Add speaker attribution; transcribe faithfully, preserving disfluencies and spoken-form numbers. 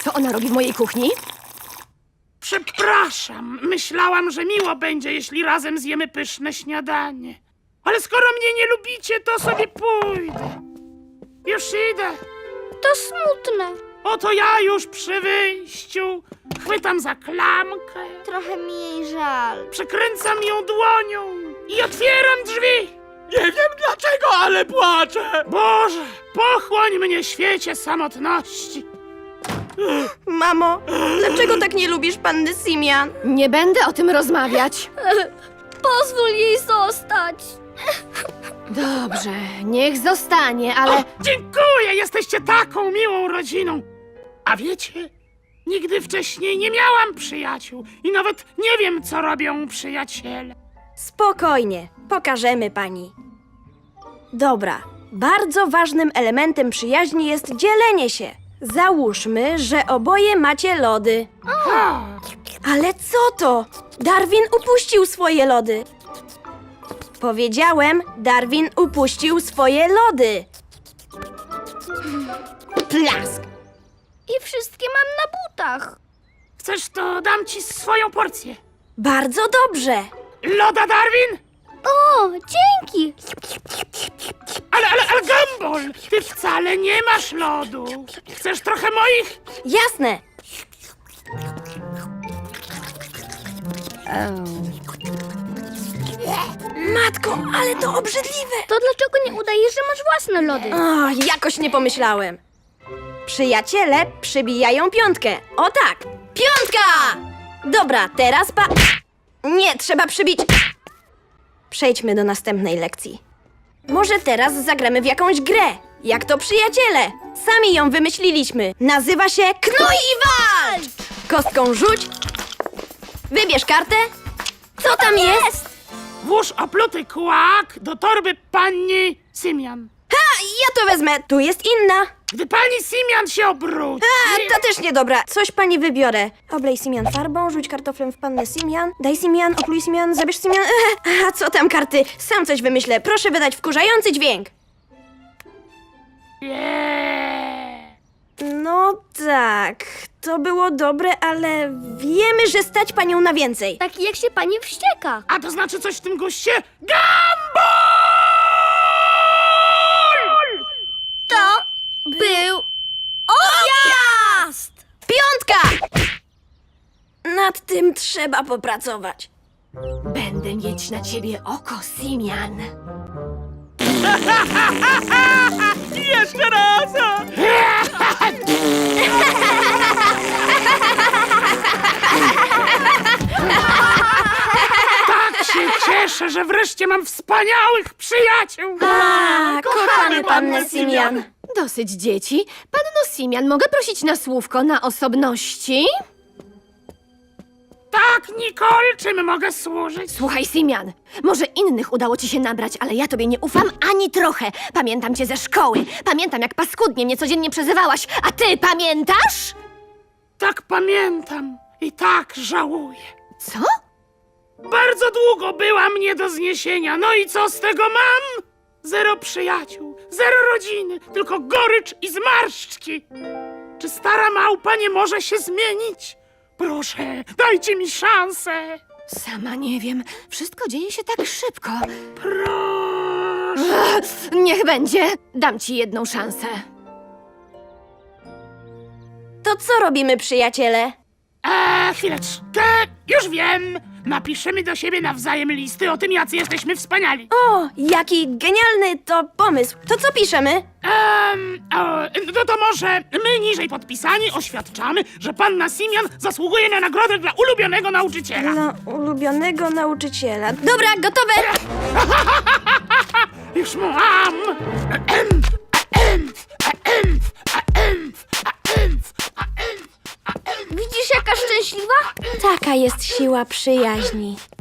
Speaker 1: Co ona robi w mojej kuchni?
Speaker 2: Przepraszam, myślałam, że miło będzie, jeśli razem zjemy pyszne śniadanie. Ale skoro mnie nie lubicie, to sobie pójdę. Już idę.
Speaker 3: To smutne.
Speaker 2: Oto ja już przy wyjściu. Chwytam za klamkę,
Speaker 3: Trochę mi jej żal.
Speaker 2: przekręcam ją dłonią i otwieram drzwi.
Speaker 4: Nie wiem dlaczego, ale płaczę!
Speaker 2: Boże, pochłoń mnie, świecie samotności.
Speaker 5: Mamo, dlaczego tak nie lubisz panny Simian?
Speaker 1: Nie będę o tym rozmawiać.
Speaker 3: Pozwól jej zostać.
Speaker 1: Dobrze, niech zostanie, ale...
Speaker 2: Dziękuję, jesteście taką miłą rodziną. A wiecie, nigdy wcześniej nie miałam przyjaciół i nawet nie wiem, co robią przyjaciele.
Speaker 5: Spokojnie, pokażemy pani. Dobra, bardzo ważnym elementem przyjaźni jest dzielenie się. Załóżmy, że oboje macie lody.
Speaker 2: Ha,
Speaker 5: Ale co to? Darwin upuścił swoje lody. Powiedziałem, Darwin upuścił swoje lody. Plask!
Speaker 3: I wszystkie mam na butach.
Speaker 2: chcesz, to dam ci swoją porcję.
Speaker 5: Bardzo dobrze.
Speaker 2: Loda, Darwin?
Speaker 3: O, dzięki.
Speaker 2: Ale, ale, ale Gumball, ty wcale nie masz lodu. Chcesz trochę moich?
Speaker 5: Jasne. Matko, ale to obrzydliwe.
Speaker 3: To dlaczego nie udajesz, że masz własne lody?
Speaker 5: O, jakoś nie pomyślałem. Przyjaciele przybijają piątkę. O tak! Piątka! Dobra, teraz pa... Nie, trzeba przybić... Przejdźmy do następnej lekcji. Może teraz zagramy w jakąś grę. Jak to przyjaciele. Sami ją wymyśliliśmy. Nazywa się Knuj i walcz! Kostką rzuć. Wybierz kartę. Co tam jest?
Speaker 2: Włóż opluty kłak do torby pani Simian.
Speaker 5: Ha, ja to wezmę. Tu jest inna.
Speaker 2: Gdy pani Simian się obróci...
Speaker 5: A, to też niedobra. Coś pani wybiorę. Oblej Simian farbą, rzuć kartoflem w pannę Simian, daj Simian, opluj Simian, zabierz Simian. Eee, a co tam karty? Sam coś wymyślę. Proszę wydać wkurzający dźwięk.
Speaker 2: Nie.
Speaker 5: No tak, to było dobre, ale wiemy, że stać panią na więcej.
Speaker 3: Taki jak się pani wścieka.
Speaker 2: A to znaczy coś w tym guście? Gumball!
Speaker 3: To był objazd!
Speaker 5: Piątka! Nad tym trzeba popracować.
Speaker 1: Będę mieć na ciebie oko, Simian.
Speaker 4: Jeszcze raz!
Speaker 2: Tak się cieszę, że wreszcie mam wspaniałych przyjaciół!
Speaker 5: A, kochamy pannę Simian.
Speaker 1: Dosyć dzieci. Panno Simian, mogę prosić na słówko na osobności?
Speaker 2: Tak, Nicole, czym mogę służyć?
Speaker 1: Słuchaj, Simian, może innych udało ci się nabrać, ale ja tobie nie ufam ani trochę. Pamiętam cię ze szkoły. Pamiętam, jak paskudnie mnie codziennie przezywałaś. A ty pamiętasz?
Speaker 2: Tak pamiętam i tak żałuję.
Speaker 1: Co?
Speaker 2: Bardzo długo byłam nie do zniesienia, no i co z tego mam? Zero przyjaciół, zero rodziny, tylko gorycz i zmarszczki. Czy stara małpa nie może się zmienić? Proszę, dajcie mi szansę.
Speaker 1: Sama nie wiem. Wszystko dzieje się tak szybko.
Speaker 2: Proszę.
Speaker 1: Ech, niech będzie. Dam ci jedną szansę.
Speaker 5: To co robimy, przyjaciele?
Speaker 2: Eee, chwileczkę, już wiem. Napiszemy do siebie nawzajem listy o tym, jacy jesteśmy wspaniali.
Speaker 5: O, jaki genialny to pomysł. To co piszemy?
Speaker 2: Ehm, o, no to może my niżej podpisani oświadczamy, że panna Simian zasługuje na nagrodę dla ulubionego nauczyciela.
Speaker 5: Dla ulubionego nauczyciela. Dobra, gotowe!
Speaker 2: Już mam! Ahem, ahem, ahem, ahem, ahem, ahem, ahem.
Speaker 3: Widzisz, jaka szczęśliwa?
Speaker 5: Taka jest siła przyjaźni.